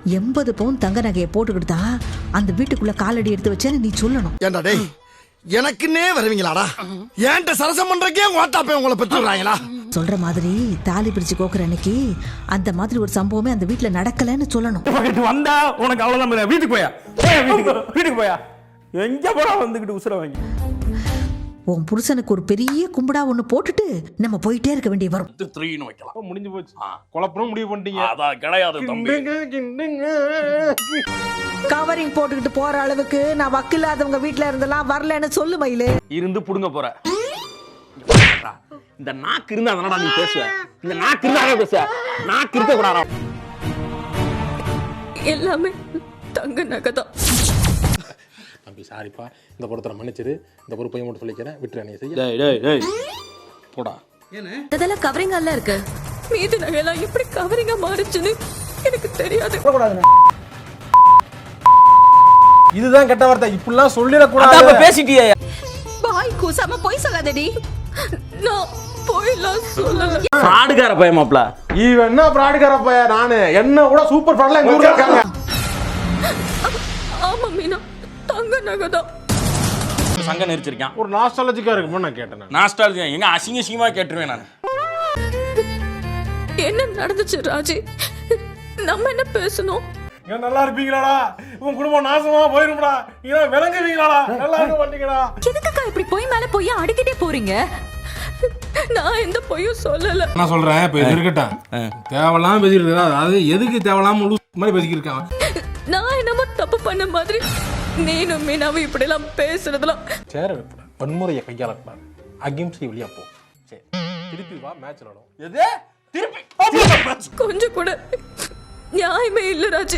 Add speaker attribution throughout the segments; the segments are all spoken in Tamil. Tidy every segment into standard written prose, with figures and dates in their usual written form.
Speaker 1: 80 பவுன் தங்க நகையை போட்டுக்கிட்டா அந்த வீட்டுக்குள்ள காலடி எடுத்து வச்சேன்னு நீ சொல்லணும்.
Speaker 2: ஏண்டா டேய், எனக்குன்னே வருவீங்களாடா? ஏன்ட்ட சரசம் பண்றக்கே வாட்டாப்பே உங்களை பெற்றுறாங்களா?
Speaker 1: சொல்ற மாதிரி தாலி பிரிச்சு கோக்குற அன்னைக்கு அந்த மாதிரி ஒரு சம்பவமே அந்த வீட்டுல நடக்கலன்னு சொல்லணும்.
Speaker 3: வந்தா உனக்கு அவ்வளவுதான். வீட்டுக்கு போயா, வீட்டுக்கு போயா, எங்க போறா வந்துகிட்டு உசுர வாங்கி.
Speaker 1: உன் புருஷனுக்கு ஒரு பெரிய கும்பிடா ஒண்ணு போட்டுட்டு நம்ம போயிட்டே இருக்க வேண்டிய வரும்.
Speaker 4: 3ன்னு வைக்கலாம்.
Speaker 3: முடிஞ்சு போச்சு. குழப்பம் முடிவு பண்ணிட்டீங்க.
Speaker 4: அதான் கிடையாது தம்பி.
Speaker 1: கவரிங் போட்டுக்கிட்டு போற அளவுக்கு நான் வக்கில்லாதவங்க வீட்டுல இருந்தெல்லாம் வரலன்னு சொல்லு மயிலு.
Speaker 3: இருந்து புடுங்க போற. இந்த நாக்கு இருந்தா தானடா நீ பேசுவ. இந்த நாக்கு இருந்தா பேசுவ. நாக்கு இருக்க கூடாதா?
Speaker 5: எல்லாமே தங்க நகைதான்.
Speaker 6: தம்பி சாரிப்பா, இந்த பொறுத்தரை மன்னிச்சிரு. இந்த பொறுப்பையும் மட்டும் சொல்லிக்கிறேன், விட்டுரு நீ செய்ய.
Speaker 3: டேய் டேய் டேய் போடா.
Speaker 5: இதெல்லாம் கவரிங்கா எல்லாம் இருக்கு. மீதி நகையெல்லாம் எப்படி கவரிங்கா மாறிச்சுன்னு எனக்கு தெரியாது.
Speaker 6: இதுதான் கெட்ட வார்த்தை, இப்படிலாம் சொல்லிடக்கூடாது.
Speaker 3: அப்ப பேசிட்டியே.
Speaker 5: பாய் கூசாம போய் சொல்லாதடி. நான் போய்லாம் சொல்லல.
Speaker 3: ஃப்ராடுகார பையன் மாப்ள.
Speaker 6: இவன் என்ன ஃப்ராடுகார பையன்? நானு என்ன கூட சூப்பர் ஃப்ராட்ல எங்க ஊர்ல இருக்காங்க.
Speaker 5: ஆமா மீனா, தங்க நகைதான்.
Speaker 3: சங்க நெரிச்சிருக்கான்.
Speaker 6: ஒரு நாஸ்டாலஜிக்கா இருக்குமோ நான் கேட்டேன்.
Speaker 3: நாஸ்டாலஜியா எங்க அசிங்கமா கேட்டுருவேன் நான்.
Speaker 5: என்ன நடந்துச்சு ராஜி? நம்ம என்ன பேசணும்?
Speaker 6: நீங்க நல்லா இருப்பீங்களாடா? உன் குடும்பம் நாசமா போயிரும்டா. நீங்க விளங்குவீங்களாடா? நல்லா இருக்க மாட்டீங்கடா.
Speaker 5: எதுக்குக்கா இப்படி போய் மேல போய் அடிக்கிட்டே போறீங்க? நான் எந்த பொய்யும் சொல்லல.
Speaker 6: நான் சொல்றேன், இப்ப இது இருக்கட்டும். தேவலாம் பேசிட்டு இருக்கா? அதாவது எதுக்கு தேவலாம் மாதிரி பேசிக்கிட்டு இருக்கான்?
Speaker 5: நான் என்னமோ தப்பு பண்ண மாதிரி நீனும் மீனாவும் இப்படி எல்லாம் பேசுறதுலாம்.
Speaker 6: சேர வைப்பட வன்முறையை கையாளக்கூடாது. அகிம்சை வழியா போ. சரி, திருப்பி வா, மேட்ச் விளையாடும்.
Speaker 3: எது திருப்பி
Speaker 5: கொஞ்சம் கூட நியாயமே இல்ல ராஜி.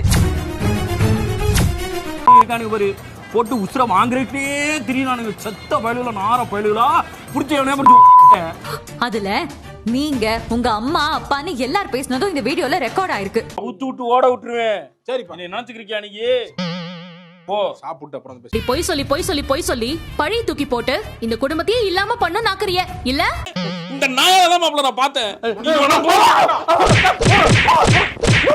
Speaker 3: ஒரு போட்டு உசுர வாங்குறே திரியானுங்க. செத்த பயலுகளா, நார பயலுகளா, புடிச்சவனே புடிச்சு.
Speaker 5: அதுல நீங்க உங்க அம்மா அப்பான்னு எல்லாரும் பேசினதும் இந்த வீடியோல ரெக்கார்ட் ஆயிருக்கு.
Speaker 3: ஊத்து விட்டு ஓட விட்டுருவேன். சரிப்பா, நீ நினைச்சுக்கிறியா நீ? போ
Speaker 6: சாப்பிட்டு அப்புறம்
Speaker 5: நீ பொய் சொல்லி பழி தூக்கி போட்டு இந்த குடும்பத்தையே இல்லாம பண்ண நாக்குறிய இல்ல?
Speaker 3: இந்த நாயெல்லாம் மாப்ள நான் பார்த்தேன்.